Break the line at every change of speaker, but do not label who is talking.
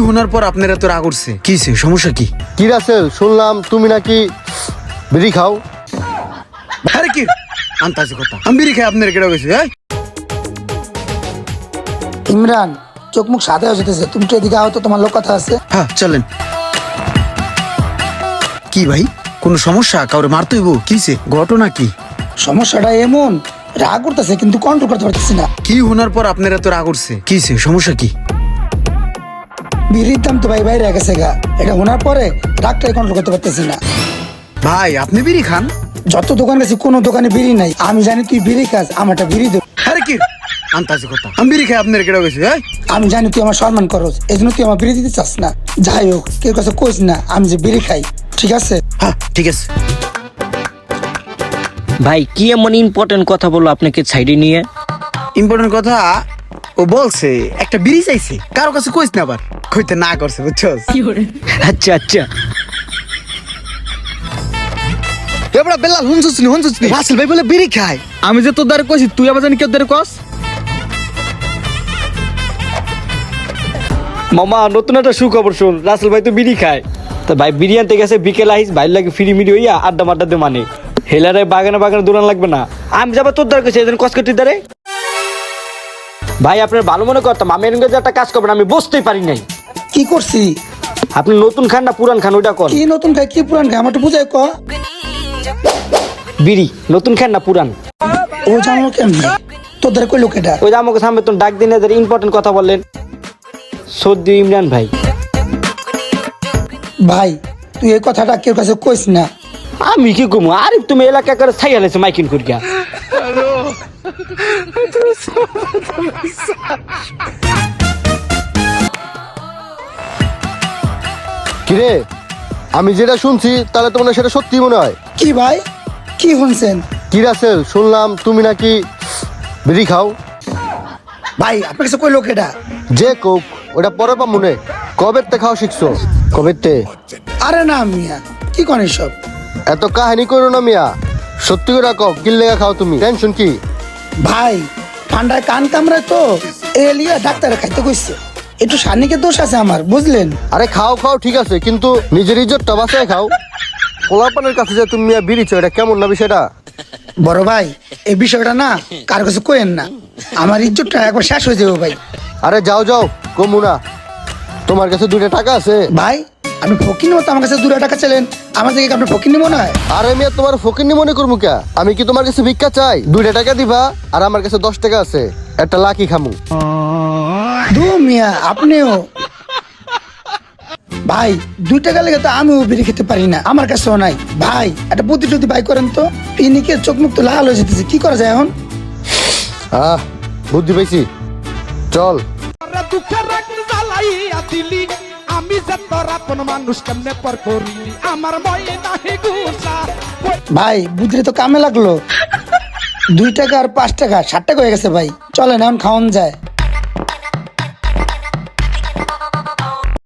শোনার পর আপনার এত রাগ উঠছে? কিছে, সমস্যা কি?
কি রাসেল, শুনলাম তুমি নাকি বিড়ি খাও?
আরে কি আন্তাজি কথা, আমি বিড়ি খাই আপনার কেটে গেছে?
ইমরান, চোখ মুখ সাদা হয়ে যেতেছে, তুমি তো এদিকে আহত, তোমার লোক কথা আছে।
হ্যাঁ চলেন। কি ভাই, কোন সমস্যা? কাউরে মারতে হইব? কিছে, ঘটনা কি?
সমস্যাটা এমন, রাগ করতেছে কিন্তু কন্ট্রোল করতে পারতেছি না।
কি শোনার পর আপনার এত রাগ উঠছে? কিছে, সমস্যা কি?
বিড়ির দাম তো ভাই বাইরে গেছে গা, এটা শোনার পরে রাগটাই কন্ট্রোল করতে পারতেছি না।
ভাই আপনি বিড়ি খান?
যত দোকান গেছি কোনো দোকানে বিড়ি নাই, আমি জানি তুই বিড়ি খাস, আমারটা বিড়ি দে।
আরে কি আন্তাজি কথা, আমি বিড়ি খাই আপনার কেটে গেছে?
আমি জানি তুই আমার সম্মান করস, এই জন্য তুই আমার বিড়ি দিতে চাস না। যাই হোক, কেউ কাছে কইস না আমি যে বিড়ি খাই, ঠিক আছে?
হ্যাঁ ঠিক আছে।
ভাই কি এমন ইম্পর্টেন্ট কথা বললো আপনাকে সাইডে নিয়ে?
ইম্পর্টেন্ট কথা, ও বলছে একটা বিড়ি চাইছে, কারো কাছে কইস না, আবার কইতে না করছে, বুঝছস?
আচ্ছা আচ্ছা।
এবড়া বেলাল হুনছুস নি রাসেল ভাই বলে বিড়ি খায়।
আমি যে তোর দ্বারা কইছি, তুই আবার জানি কেউ দ্বারা কস?
মামা নতুন একটা সুখবর শুন, রাসেল ভাই তো বিড়ি খায়। তা ভাই বিড়ি আনতে গেছে, বিকেল আইস ভাই লাগে ফিরি মিরি হইয়া আড্ডা মাড্ডা দে, মানে হেলারে বাগানে বাগানে দৌড়ান লাগবে না। আমি যাবো তোর দ্বারা কইছি, এদিন কসকটির দ্বারে। ভাই আপনার ভালো মনে করতাম, আমি এরকম একটা কাজ করবেন, আমি বুঝতেই পারি নাই।
কি করছি?
আপনি নতুন খান না পুরান খান ওইটা কর।
কি নতুন খাই কি পুরান খাই, আমার তো বুঝাই ক।
বিড়ি নতুন খান না পুরান?
ও জানো কেমনি, তোর দ্বারা কই লোক এটা?
ওই যে আমাকে সামনে তো ডাক দিন, এদের ইম্পর্টেন্ট কথা বললেন। সর্দি ইমরান ভাই।
ভাই তুই এই কথাটা কেউ কাছে কইস না।
আমি কি কমু, আরে তুমি এলাকা করে ছাই হালাইছে মাইকিন করিয়া।
কিরে, আমি যেটা শুনছি তাহলে তোমার সেটা সত্যি মনে হয়?
কি ভাই, কি শুনছেন?
কি রাসেল, শুনলাম তুমি নাকি বিড়ি খাও?
ভাই আপনার কাছে কই লোক এটা?
যে কোক ওটা পরে পা মনে, কবের তে খাওয়া শিখছো? কবের তে?
আরে না মিয়া, কি কন সব?
এত কাহিনী করো না মিয়া, সত্যি করে কও, কি লেগা খাও তুমি? টেনশন কি?
ভাই ঠান্ডায় কান কামড়ায় তো, এলিয়া ডাক্তারে খাইতে কইছে, একটু সানিকের দোষ আছে আমার, বুঝলেন?
আরে খাও খাও ঠিক আছে, কিন্তু নিজের ইজ্জতটা বাঁচায় খাও। পোলাপানের কাছে যে তুমি মিয়া বিড়িছো, এটা কেমন না বিষয়টা?
বড় ভাই এই বিষয়টা না কার কাছে কইেন না, আমার ইজ্জতটা একবার শেষ হয়ে যাবে ভাই।
আরে যাও যাও, কমু না। তোমার কাছে 2টা টাকা আছে?
ভাই আপনি ফকির মতো আমার কাছে 2 টাকা চাইলেন, আমার থেকে আপনি ফকির মনে হয়?
আরে মিয়া তোমার ফকিন্নি মনে করবো কে? আমি কি তোমার কাছে ভিক্ষা চাই? 2টা টাকা দিবা, আর আমার কাছে 10 টাকা আছে, একটা লাকি খামু।
দু মিয়া আপনিও। ভাই 2 টাকা লেগে তো আমিও বিড়ি খেতে পারি না, আমার কাছেও নাই। ভাই একটা বুদ্ধি টুদ্ধি ভাই করেন তো, পিনিকে চোখ মুখ তো লাল হয়ে যেতেছে, কি করা যায় এখন?
বুদ্ধি পাইছি, চল।
দুঃখের রাগ জ্বালাইয়া দিলি, আমি যে তোর আপন মানুষ কেমনে পর করিলি, আমার মই নাহি গুসা।
ভাই বুদ্ধি তো কামে লাগলো, 2 টাকা আর 5 টাকা 7 টাকা হয়ে গেছে ভাই, চলেন এখন খাওয়ান যায়।